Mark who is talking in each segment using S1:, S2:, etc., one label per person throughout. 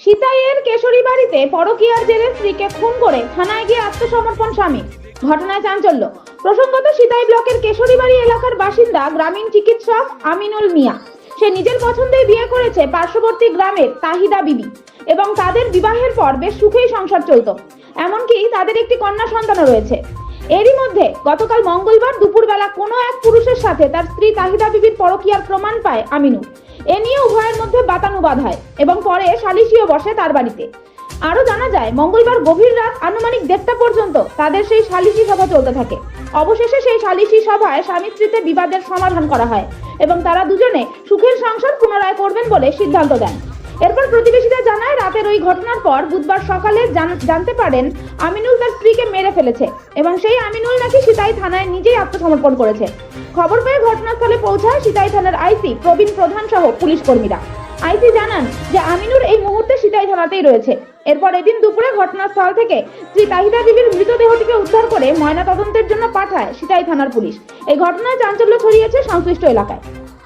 S1: সিতাইয়ের কেশরী বাড়িতে পরকীয়ার জেরে স্ত্রীকে খুন করে থানায় গিয়ে আত্মসমর্পণ স্বামী। ঘটনায় চাঞ্চল্য। প্রসঙ্গত সিতাই ব্লকের কেশরী বাড়ি এলাকার বাসিন্দা গ্রামীণ চিকিৎসক আমিনুল মিয়া। সে নিজের পছন্দেই বিয়ে করেছে পার্শ্ববর্তী গ্রামের তাহিদা বিবি এবং তাদের বিবাহের পর বেশ সুখেই সংসার চলত। এমনকি তাদের একটি কন্যা সন্তানও রয়েছে। এরই মধ্যে গতকাল মঙ্গলবার দুপুরবেলা কোনো এক পুরুষের সাথে তার স্ত্রী তাহিদা বিবির পরকীয়ার প্রমাণ পায় আমিনুল। এ নিয়ে উভয়ের মধ্যে বাতানুবাদ হয় এবং পরে সালিশিও বসে তার বাড়িতে। আরো জানা যায়, মঙ্গলবার গভীর রাত আনুমানিক 1:30টা পর্যন্ত তাদের সেই সালিশি সভা চলতে থাকে। অবশেষে সেই সালিশি সভায় স্বামী স্ত্রীতে বিবাদের সমাধান করা হয় এবং তারা দুজনে সুখের সংসার পুনরায় করবেন বলে সিদ্ধান্ত দেন। এরপর প্রতিবেশীরা জানায়, রাতের ওই ঘটনার পর বুধবার সকালে জানতে পারেন আমিনুল তার স্ত্রীকে মেরে ফেলেছে এবং সেই আমিনুল নাকি সিতাই থানায় নিজেই আত্মসমর্পণ করেছে। খবর পেয়ে ঘটনাস্থলে পৌঁছায় সিতাই থানার আইসি প্রবীণ প্রধান সহ পুলিশ কর্মীরা। আইসি জানান যে আমিনুল এই মুহূর্তে সিতাই থানাতেই রয়েছে। এরপর এদিন দুপুরে ঘটনাস্থল থেকে স্ত্রী তাহিদা বিবির মৃতদেহটিকে উদ্ধার করে ময়নাতদন্তের জন্য পাঠায় সিতাই থানার পুলিশ। এই ঘটনায় চাঞ্চল্য ছড়িয়েছে সংশ্লিষ্ট এলাকায়।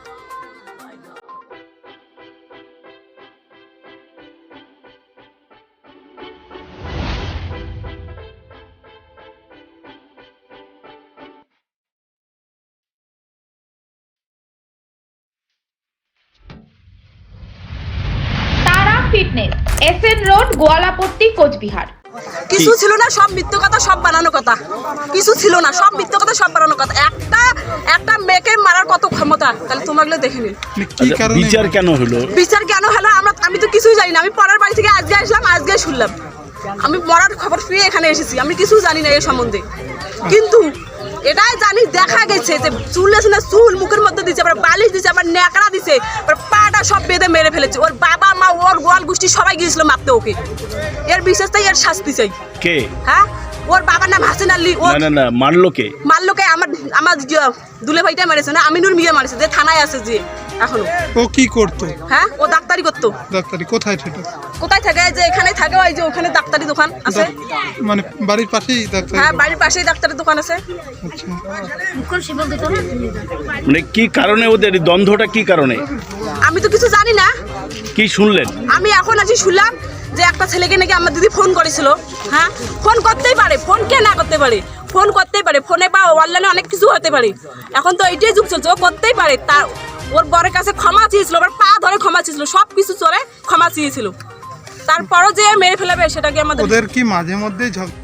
S1: Fitness, SN road, Goalapatti, Coochbehar.
S2: কিছু ছিল না, সব মিথ্যে কথা, সব বানানো কথা। কিছু ছিল না, সব মিথ্যে কথা, সব বানানো কথা। একটা মেয়েকে মারার কত ক্ষমতা, তাহলে তোমাগুলো দেখে নিন।
S3: বিচার কেন হলো?
S2: বিচার কেন হলো আমি তো কিছুই জানি না। আমি পরের বাড়ি থেকে আজকে আসলাম, আজকে শুনলাম। আমি মরার খবর পেয়ে এখানে এসেছি। আমি কিছু জানি না এর সম্বন্ধে, কিন্তু এটাই জানি দেখা গেছে যে চুল আছে না, চুল মুখের মধ্যে দিচ্ছে, আবার বালিশ দিচ্ছে, আবার ন্যাকড়া দিচ্ছে, আবার পাটা সব বেঁধে মেরে ফেলেছে। ওর বাবা মা, ওর গোয়াল গোষ্ঠী সবাই গিয়েছিল মারতে ওকে। এর বিশেষ তাই এর শাস্তি চাই।
S3: কে?
S2: হ্যাঁ, ওর বাবার নাম হাসিন আলী। ও
S3: না মারলো কে?
S2: মারলো কে? আমার দুলে ভাইটা মেরেছে না, আমিনুর মিয়া মারেছে, যে থানায় আছে যে এখনো।
S4: ও কি করতো?
S2: হ্যাঁ, ও ডাক্তারি করতো।
S4: ডাক্তারি কোথায় থাকে?
S2: কোথায় থাকে? যে এখানে থাকে, ওই যে ওখানে ডাক্তারি দোকান আছে।
S4: মানে বাড়ির পাশেই ডাক্তারি?
S2: হ্যাঁ, বাড়ির পাশেই ডাক্তারি দোকান আছে।
S4: আচ্ছা,
S3: মানে কি কারণে ওদের দ্বন্দ্বটা, কি কারণে?
S2: আমি তো কিছু জানি না।
S3: কি শুনলেন?
S2: আমি এখন আজ শুনলাম যে একটা ছেলেকে নাকি আমার দিদি ফোন করেছিল। হ্যাঁ, ফোন করতেই পারে, ফোন কে না করতে পারে, ফোন করতেই পারে, ফোনে বা অনলাইনে অনেক কিছু হতে পারে। এখন তো এইটাই যুগ চলছে, ও করতেই পারে। তার ওর বরের কাছে ক্ষমা চেয়েছিল, আবার পা ধরে ক্ষমা চেয়েছিল, সব কিছু চলে ক্ষমা চেয়েছিল। তারপরও যে মেরে ফেলাবে সেটাকে আমাদের।
S4: ওদের কি মাঝে মধ্যে